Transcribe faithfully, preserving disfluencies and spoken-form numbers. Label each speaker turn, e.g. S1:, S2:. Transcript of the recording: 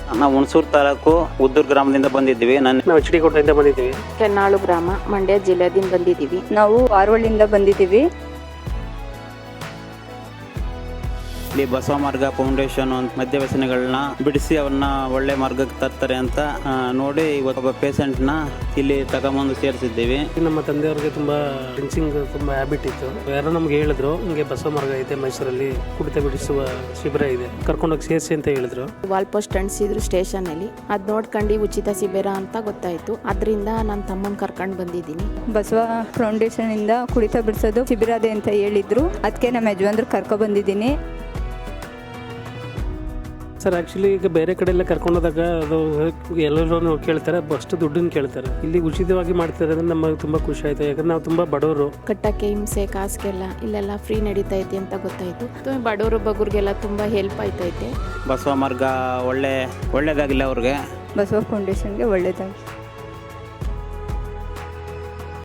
S1: ನಾವು ಹುಣಸೂರು ತಾಲೂಕು ಉದ್ದೂರು ಗ್ರಾಮದಿಂದ ಬಂದಿದ್ದೀವಿ. ನಾನು
S2: ನಾವು ಎಚ್ ಡಿ ಕೋಟೆಯಿಂದ ಬಂದಿದ್ದೀವಿ.
S3: ಕೆನ್ನಾಳು ಗ್ರಾಮ, ಮಂಡ್ಯ ಜಿಲ್ಲೆದಿಂದ ಬಂದಿದ್ದೀವಿ.
S4: ನಾವು ಆರವಳ್ಳಿಯಿಂದ ಬಂದಿದ್ದೀವಿ.
S1: ಇಲ್ಲಿ ಬಸವ ಮಾರ್ಗ ಫೌಂಡೇಶನ್ ಅಂತ ಮದ್ಯ ವ್ಯಸನಿಗಳನ್ನ ಬಿಡಿಸಿ ಅವ್ರನ್ನ ಒಳ್ಳೆ ಮಾರ್ಗಕ್ಕೆ ತರ್ತಾರೆ ಅಂತ ಆ, ನೋಡಿ ಇವತ್ತು ಒಬ್ಬ ಪೇಷಂಟ್ನ ಇಲ್ಲಿ ತಗೊಂಬಂದು ಸೇರಿಸಿದ್ದೀವಿ.
S2: ನಮ್ಮ ತಂದೆಯವ್ರಿಗೆ ತುಂಬಾ ಡ್ರಿಂಕ್ಸಿಂಗ್ ತುಂಬಾ ಹ್ಯಾಬಿಟ್ ಇತ್ತು. ಯಾರೋ ನಮ್ಗೆ ಹೇಳಿದ್ರು, ಹಿಂಗೆ ಬಸವ ಮಾರ್ಗ ಐತೆ ಮೈಸೂರಲ್ಲಿ, ಕುಡಿತ ಬಿಡಿಸುವ ಶಿಬಿರ ಇದೆ, ಕರ್ಕೊಂಡೋಗಿ ಸೇರಿಸಿ ಅಂತ ಹೇಳಿದ್ರು.
S3: ವಾಲ್ ಪೋಸ್ಟ್ ಅಂಟಿಸಿದ್ರು ಸ್ಟೇಷನ್ ಅಲ್ಲಿ. ಅದ್ ನೋಡ್ಕೊಂಡು ಉಚಿತ ಶಿಬಿರ ಅಂತ ಗೊತ್ತಾಯ್ತು. ಅದರಿಂದ ನನ್ನ ತಮ್ಮನ್ ಕರ್ಕೊಂಡು ಬಂದಿದ್ದೀನಿ.
S4: ಬಸವ ಫೌಂಡೇಶನ್ ಇಂದ ಕುಡಿತ ಬಿಡಿಸೋದು ಶಿಬಿರ ಇದೆ ಅಂತ ಹೇಳಿದ್ರು. ಅದಕ್ಕೆ ನಮ್ಮ ಯಜಮಾನ್ರು ಕರ್ಕೊ ಬಂದಿದ್ದೀನಿ.
S2: ಸರ್ ಆ್ಯಕ್ಚುಲಿ ಈಗ ಬೇರೆ ಕಡೆ ಎಲ್ಲ ಕರ್ಕೊಂಡೋದಾಗ ಅದು ಎಲ್ಲರೂ ಕೇಳ್ತಾರೆ, ಅಷ್ಟು ದುಡ್ಡನ್ನು ಕೇಳ್ತಾರೆ. ಇಲ್ಲಿ ಉಚಿತವಾಗಿ ಮಾಡ್ತಾರೆ ಅಂದ್ರೆ ನಮಗೆ ತುಂಬ ಖುಷಿ ಆಯಿತು. ಯಾಕಂದ್ರೆ ನಾವು ತುಂಬ ಬಡವರು.
S3: ಕಟ್ಟಕ್ಕೆ ಹಿಂಸೆ ಕಾಸಿಗೆಲ್ಲ ಇಲ್ಲೆಲ್ಲ ಫ್ರೀ ನಡೀತೈತೆ ಅಂತ ಗೊತ್ತಾಯ್ತು. ಬಡವರು ಬಗ್ಗರಿಗೆಲ್ಲ ತುಂಬ ಹೆಲ್ಪ್ ಆಯ್ತೈತೆ.
S1: ಬಸವ ಮಾರ್ಗ ಒಳ್ಳೆ ಒಳ್ಳೇದಾಗಿಲ್ಲ ಅವ್ರಿಗೆ.
S4: ಬಸವ ಫೌಂಡೇಶನ್ಗೆ ಒಳ್ಳೇದಾಗಿ